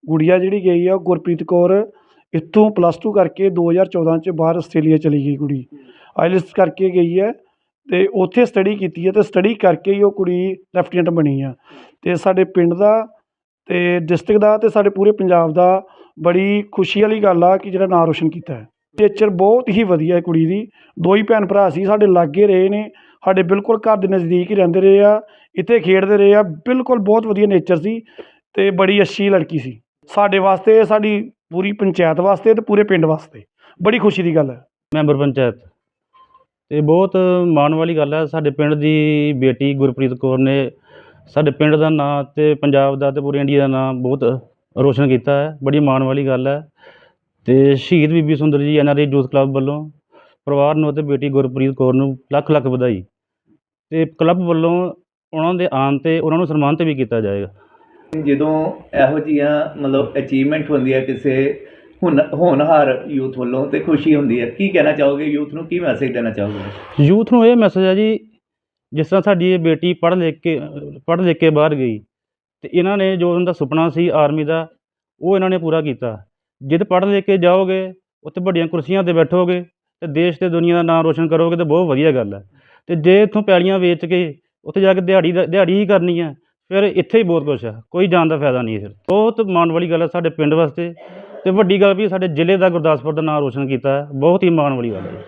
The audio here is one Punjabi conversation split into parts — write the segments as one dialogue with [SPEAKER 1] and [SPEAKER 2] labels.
[SPEAKER 1] ਗੁੜੀਆ ਜਿਹੜੀ ਗਈ ਆ ਗੁਰਪ੍ਰੀਤ ਕੌਰ ਇੱਥੋਂ +2 ਕਰਕੇ 2014 'ਚ ਬਾਹਰ ਆਸਟ੍ਰੇਲੀਆ ਚਲੀ ਗਈ ਕੁੜੀ। ਆਈਲੈਟਸ ਕਰਕੇ ਗਈ ਹੈ ਅਤੇ ਉੱਥੇ ਸਟੱਡੀ ਕੀਤੀ ਹੈ ਅਤੇ ਸਟੱਡੀ ਕਰਕੇ ਹੀ ਉਹ ਕੁੜੀ ਲੈਫਟੀਨੈਂਟ ਬਣੀ ਆ। ਅਤੇ ਸਾਡੇ ਪਿੰਡ ਦਾ ਅਤੇ ਡਿਸਟ੍ਰਿਕਟ ਦਾ ਅਤੇ ਸਾਡੇ ਪੂਰੇ ਪੰਜਾਬ ਦਾ ਬੜੀ ਖੁਸ਼ੀ ਵਾਲੀ ਗੱਲ ਆ ਕਿ ਜਿਹੜਾ ਨਾਂ ਰੋਸ਼ਨ ਕੀਤਾ ਹੈ। ਨੇਚਰ ਬਹੁਤ ਹੀ ਵਧੀਆ ਹੈ ਕੁੜੀ ਦੀ। 2 ਹੀ ਭੈਣ ਭਰਾ ਸੀ, ਸਾਡੇ ਲਾਗੇ ਰਹੇ ਨੇ, ਸਾਡੇ ਬਿਲਕੁਲ ਘਰ ਦੇ ਨਜ਼ਦੀਕ ਹੀ ਰਹਿੰਦੇ ਰਹੇ ਆ, ਇੱਥੇ ਖੇਡਦੇ ਰਹੇ ਆ। ਬਿਲਕੁਲ ਬਹੁਤ ਵਧੀਆ ਨੇਚਰ ਸੀ ਅਤੇ ਬੜੀ ਅੱਛੀ ਲੜਕੀ ਸੀ। ਸਾਡੇ ਵਾਸਤੇ, ਸਾਡੀ ਪੂਰੀ ਪੰਚਾਇਤ ਵਾਸਤੇ ਅਤੇ ਪੂਰੇ ਪਿੰਡ ਵਾਸਤੇ ਬੜੀ ਖੁਸ਼ੀ ਦੀ ਗੱਲ ਹੈ।
[SPEAKER 2] ਮੈਂਬਰ ਪੰਚਾਇਤ ਅਤੇ ਬਹੁਤ ਮਾਣ ਵਾਲੀ ਗੱਲ ਹੈ। ਸਾਡੇ ਪਿੰਡ ਦੀ ਬੇਟੀ ਗੁਰਪ੍ਰੀਤ ਕੌਰ ਨੇ ਸਾਡੇ ਪਿੰਡ ਦਾ ਨਾਂ ਅਤੇ ਪੰਜਾਬ ਦਾ ਅਤੇ ਪੂਰੇ ਇੰਡੀਆ ਦਾ ਨਾਂ ਬਹੁਤ ਰੋਸ਼ਨ ਕੀਤਾ ਹੈ। ਬੜੀ ਮਾਣ ਵਾਲੀ ਗੱਲ ਹੈ। ਅਤੇ ਸ਼ਹੀਦ ਬੀਬੀ ਸੁੰਦਰ ਜੀ NRI ਯੂਥ ਕਲੱਬ ਵੱਲੋਂ ਪਰਿਵਾਰ ਨੂੰ ਅਤੇ ਬੇਟੀ ਗੁਰਪ੍ਰੀਤ ਕੌਰ ਨੂੰ ਲੱਖ ਲੱਖ ਵਧਾਈ। ਅਤੇ ਕਲੱਬ ਵੱਲੋਂ ਉਹਨਾਂ ਦੇ ਆਉਣ 'ਤੇ ਉਹਨਾਂ ਨੂੰ ਸਨਮਾਨਿਤ ਵੀ ਕੀਤਾ ਜਾਏਗਾ।
[SPEAKER 3] ਜਦੋਂ ਇਹੋ ਜਿਹੀਆਂ ਮਤਲਬ ਅਚੀਵਮੈਂਟ ਹੁੰਦੀ ਹੈ ਕਿਸੇ ਹੋਣਹਾਰ ਯੂਥ ਵੱਲੋਂ ਅਤੇ ਖੁਸ਼ੀ ਹੁੰਦੀ ਹੈ। ਕੀ ਕਹਿਣਾ ਚਾਹੋਗੇ ਯੂਥ ਨੂੰ, ਕੀ ਮੈਸੇਜ ਦੇਣਾ ਚਾਹੋਗੇ?
[SPEAKER 2] ਯੂਥ ਨੂੰ ਇਹ ਮੈਸੇਜ ਹੈ ਜੀ, ਜਿਸ ਤਰ੍ਹਾਂ ਸਾਡੀ ਇਹ ਬੇਟੀ ਪੜ੍ਹ ਲਿਖ ਕੇ ਬਾਹਰ ਗਈ ਅਤੇ ਇਹਨਾਂ ਨੇ ਜੋ ਉਹਨਾਂ ਦਾ ਸੁਪਨਾ ਸੀ ਆਰਮੀ ਦਾ, ਉਹ ਇਹਨਾਂ ਨੇ ਪੂਰਾ ਕੀਤਾ। ਜਦ ਪੜ੍ਹ ਲਿਖ ਕੇ ਜਾਓਗੇ, ਉੱਥੇ ਵੱਡੀਆਂ ਕੁਰਸੀਆਂ 'ਤੇ ਬੈਠੋਗੇ ਅਤੇ ਦੇਸ਼ ਅਤੇ ਦੁਨੀਆ ਦਾ ਨਾਮ ਰੋਸ਼ਨ ਕਰੋਗੇ ਤਾਂ ਬਹੁਤ ਵਧੀਆ ਗੱਲ ਹੈ। ਅਤੇ ਜੇ ਇੱਥੋਂ ਪੈਲੀਆਂ ਵੇਚ ਕੇ ਉੱਥੇ ਜਾ ਕੇ ਦਿਹਾੜੀ ਹੀ ਕਰਨੀ ਹੈ, ਫਿਰ ਇੱਥੇ ਹੀ ਬਹੁਤ ਕੁਛ ਹੈ, ਕੋਈ ਜਾਣ ਦਾ ਫਾਇਦਾ ਨਹੀਂ ਹੈ। ਫਿਰ ਬਹੁਤ ਮਾਣ ਵਾਲੀ ਗੱਲ ਹੈ ਸਾਡੇ ਪਿੰਡ ਵਾਸਤੇ, ਅਤੇ ਵੱਡੀ ਗੱਲ ਵੀ ਸਾਡੇ ਜ਼ਿਲ੍ਹੇ ਦਾ ਗੁਰਦਾਸਪੁਰ ਦਾ ਨਾਮ ਰੋਸ਼ਨ ਕੀਤਾ ਹੈ। ਬਹੁਤ ਹੀ ਮਾਣ ਵਾਲੀ ਗੱਲ ਹੈ।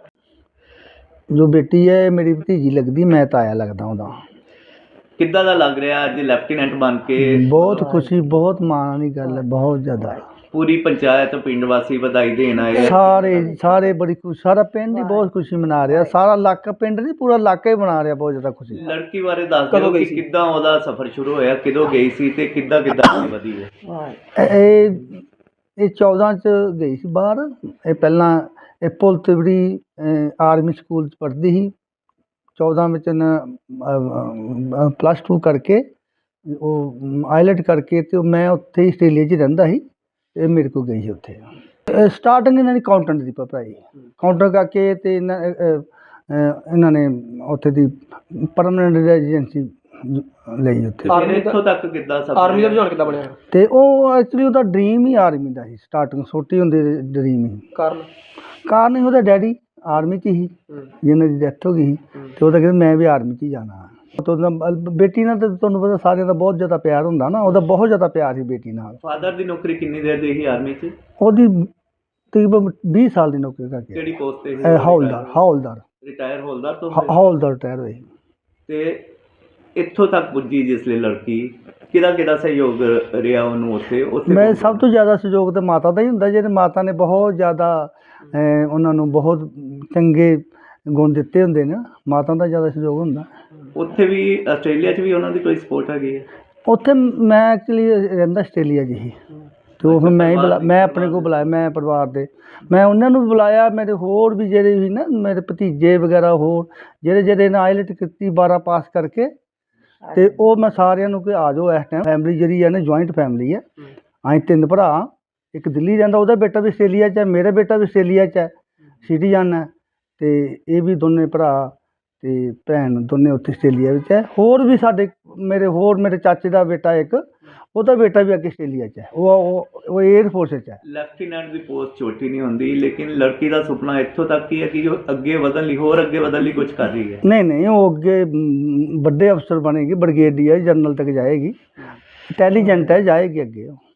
[SPEAKER 4] ਜੋ ਬੇਟੀ ਹੈ ਮੇਰੀ ਭਤੀਜੀ ਲੱਗਦੀ, ਮੈਂ ਤਾਇਆ ਲੱਗਦਾ ਉਹਦਾ।
[SPEAKER 3] ਕਿੱਦਾਂ ਦਾ ਲੱਗ ਰਿਹਾ ਅੱਜ ਲੈਫਟੀਨੈਂਟ ਬਣ ਕੇ?
[SPEAKER 4] ਬਹੁਤ ਖੁਸ਼ੀ, ਬਹੁਤ ਮਾਣ ਵਾਲੀ ਗੱਲ ਹੈ, ਬਹੁਤ ਜ਼ਿਆਦਾ।
[SPEAKER 3] ਪੂਰੀ ਪੰਚਾਇਤ ਪਿੰਡ ਵਾਸੀ ਵਧਾਈ ਦੇਣ ਆਏ?
[SPEAKER 4] ਸਾਰੇ ਬੜੀ ਖੁਸ਼ੀ, ਸਾਰਾ ਪਿੰਡ ਹੀ ਬਹੁਤ ਖੁਸ਼ੀ ਮਨਾ ਰਿਹਾ। ਸਾਰਾ ਇਲਾਕਾ, ਪਿੰਡ ਨਹੀਂ ਪੂਰਾ ਇਲਾਕਾ ਹੀ ਮਨਾ ਰਿਹਾ, ਬਹੁਤ ਜ਼ਿਆਦਾ ਖੁਸ਼ੀ।
[SPEAKER 3] ਲੜਕੀ ਬਾਰੇ ਦੱਸ ਦਿਓ ਕਿ ਕਿੱਦਾਂ ਉਹਦਾ ਸਫ਼ਰ ਸ਼ੁਰੂ ਹੋਇਆ, ਕਿਦੋਂ ਗਈ ਸੀ ਅਤੇ ਕਿੱਦਾਂ ਵਧੀ ਹੈ?
[SPEAKER 4] ਇਹ 14 'ਚ ਗਈ ਸੀ ਬਾਹਰ। ਇਹ ਪਹਿਲਾਂ ਇਹ ਪੁਲ ਤਿਵੜੀ ਆਰਮੀ ਸਕੂਲ 'ਚ ਪੜ੍ਹਦੀ ਸੀ। 14 ਵਿੱਚ +2 ਕਰਕੇ ਉਹ ਆਈਲੈਟ ਕਰਕੇ ਅਤੇ ਮੈਂ ਉੱਥੇ ਹੀ ਆਸਟ੍ਰੇਲੀਆ 'ਚ ਰਹਿੰਦਾ ਸੀ। ਇਹ ਮੇਰੇ ਕੋਲ ਗਈ ਸੀ ਉੱਥੇ। ਸਟਾਰਟਿੰਗ ਇਹਨਾਂ ਦੀ ਅਕਾਊਂਟੈਂਟ ਦੀ ਪੜ੍ਹਾਈ, ਕਾਊਂਟਰ ਕਰਕੇ ਅਤੇ ਇਹਨਾਂ ਨੇ ਉੱਥੇ ਦੀ ਪਰਮਾਨੈਂਟ ਰੈਜ਼ੀਡੈਂਸੀ ਲਈ ਉੱਥੇ।
[SPEAKER 3] ਇੱਥੋਂ ਤੱਕ ਕਿੱਦਾਂ
[SPEAKER 1] ਆਰਮੀ ਦਾ ਰੁਝਾਨ ਕਿੱਦਾਂ ਬਣਿਆ?
[SPEAKER 4] ਅਤੇ ਉਹ ਐਕਚੁਅਲੀ ਉਹਦਾ ਡਰੀਮ ਹੀ ਆਰਮੀ ਦਾ ਸੀ। ਸਟਾਰਟਿੰਗ ਛੋਟੀ ਹੁੰਦੀ ਡਰੀਮ ਹੀ। ਕਾਰਨ ਹੀ ਉਹਦਾ ਡੈਡੀ ਆਰਮੀ 'ਚ ਹੀ, ਜਿਹਨਾਂ ਦੀ ਡੈਥ ਹੋ ਗਈ ਸੀ, ਅਤੇ ਉਹਦਾ ਕਹਿੰਦਾ ਮੈਂ ਵੀ ਆਰਮੀ 'ਚ ਹੀ ਜਾਣਾ। ਬੇਟੀ ਨਾਲ ਤਾਂ ਤੁਹਾਨੂੰ ਪਤਾ ਸਾਰਿਆਂ ਦਾ ਬਹੁਤ ਜ਼ਿਆਦਾ ਪਿਆਰ ਹੁੰਦਾ ਨਾ, ਉਹਦਾ ਬਹੁਤ ਜ਼ਿਆਦਾ ਪਿਆਰ ਸੀ ਬੇਟੀ ਨਾਲ।
[SPEAKER 3] ਫਾਦਰ ਦੀ ਨੌਕਰੀ ਕਿੰਨੀ ਦੇਰ ਦੀ ਸੀ ਆਰਮੀ 'ਚ?
[SPEAKER 4] ਉਹਦੀ ਤਕਰੀਬਨ 20 ਸਾਲ ਦੀ ਨੌਕਰੀ ਕਰਕੇ।
[SPEAKER 3] ਕਿਹੜੀ ਪੋਸਟ 'ਤੇ?
[SPEAKER 4] ਹੌਲਦਾਰ
[SPEAKER 3] ਰਿਟਾਇਰ ਹੌਲਦਾਰ ਤੋਂ?
[SPEAKER 4] ਹੌਲਦਾਰ ਰਿਟਾਇਰ ਹੋਈ।
[SPEAKER 3] ਅਤੇ ਇੱਥੋਂ ਤੱਕ ਪੁੱਜੀ ਜਿਸ ਲਈ ਲੜਕੀ, ਕਿਹਦਾ ਸਹਿਯੋਗ ਰਿਹਾ ਉਹਨੂੰ ਉੱਥੇ?
[SPEAKER 4] ਮੈਂ ਸਭ ਤੋਂ ਜ਼ਿਆਦਾ ਸਹਿਯੋਗ ਤਾਂ ਮਾਤਾ ਦਾ ਹੀ ਹੁੰਦਾ। ਜਿਹਦੇ ਮਾਤਾ ਨੇ ਬਹੁਤ ਜ਼ਿਆਦਾ ਉਹਨਾਂ ਨੂੰ ਬਹੁਤ ਚੰਗੇ ਗੁਣ ਦਿੱਤੇ ਹੁੰਦੇ ਨੇ, ਮਾਤਾ ਦਾ ਜ਼ਿਆਦਾ ਸਹਿਯੋਗ ਹੁੰਦਾ।
[SPEAKER 3] ਉੱਥੇ ਵੀ ਆਸਟ੍ਰੇਲੀਆ 'ਚ ਵੀ ਉਹਨਾਂ ਦੀ ਕੋਈ ਸਪੋਰਟ ਹੈਗੀ ਹੈ?
[SPEAKER 4] ਉੱਥੇ ਮੈਂ ਐਕਚੁਅਲੀ ਰਹਿੰਦਾ ਆਸਟ੍ਰੇਲੀਆ 'ਚ ਹੀ, ਅਤੇ ਉਹ ਫਿਰ ਮੈਂ ਆਪਣੇ ਕੋਲ ਬੁਲਾਇਆ, ਮੈਂ ਪਰਿਵਾਰ ਦੇ ਮੈਂ ਉਹਨਾਂ ਨੂੰ ਵੀ ਬੁਲਾਇਆ। ਮੇਰੇ ਹੋਰ ਵੀ ਜਿਹੜੇ ਵੀ ਨਾ ਮੇਰੇ ਭਤੀਜੇ ਵਗੈਰਾ, ਹੋਰ ਜਿਹੜੇ ਨੇ ਆਈਲੈਟ ਕੀਤੀ 12 ਪਾਸ ਕਰਕੇ, ਅਤੇ ਉਹ ਮੈਂ ਸਾਰਿਆਂ ਨੂੰ ਕਿ ਆ ਜਾਓ। ਇਸ ਟਾਈਮ ਫੈਮਿਲੀ ਜਿਹੜੀ ਹੈ ਨਾ ਜੁਆਇੰਟ ਫੈਮਿਲੀ ਹੈ। ਅਸੀਂ 3 ਭਰਾ, ਇੱਕ ਦਿੱਲੀ ਰਹਿੰਦਾ, ਉਹਦਾ ਬੇਟਾ ਵੀ ਆਸਟ੍ਰੇਲੀਆ 'ਚ ਹੈ, ਮੇਰਾ ਬੇਟਾ ਵੀ ਆਸਟ੍ਰੇਲੀਆ 'ਚ ਹੈ, ਸਿਟੀਜ਼ਨ ਹੈ। ਅਤੇ ਇਹ ਵੀ ਦੋਨੇ ਭਰਾ ਅਤੇ ਭੈਣ ਦੋਨੇ ਉੱਥੇ ਆਸਟ੍ਰੇਲੀਆ ਵਿੱਚ ਹੈ। ਹੋਰ ਵੀ ਸਾਡੇ ਮੇਰੇ ਚਾਚੇ ਦਾ ਬੇਟਾ ਇੱਕ, ਉਹਦਾ ਬੇਟਾ ਵੀ ਅੱਗੇ ਆਸਟ੍ਰੇਲੀਆ 'ਚ ਹੈ। ਉਹ ਏਅਰ ਫੋਰਸ 'ਚ ਹੈ।
[SPEAKER 3] ਲੈਫਟੀਨੈਂਟ ਦੀ ਪੋਸਟ ਛੋਟੀ ਨਹੀਂ ਹੁੰਦੀ, ਲੇਕਿਨ ਲੜਕੀ ਦਾ ਸੁਪਨਾ ਇੱਥੋਂ ਤੱਕ ਹੀ ਹੈ ਕਿ ਉਹ ਅੱਗੇ ਵਧਣ ਲਈ ਕੁਝ ਕਰ ਰਹੀ ਹੈ।
[SPEAKER 4] ਨਹੀਂ, ਉਹ ਅੱਗੇ ਵੱਡੇ ਅਫਸਰ ਬਣੇਗੀ, ਬ੍ਰਿਗੇਡੀਅਰ ਜਨਰਲ ਤੱਕ ਜਾਏਗੀ। ਇੰਟੈਲੀਜੈਂਟ ਹੈ, ਜਾਏਗੀ ਅੱਗੇ ਉਹ।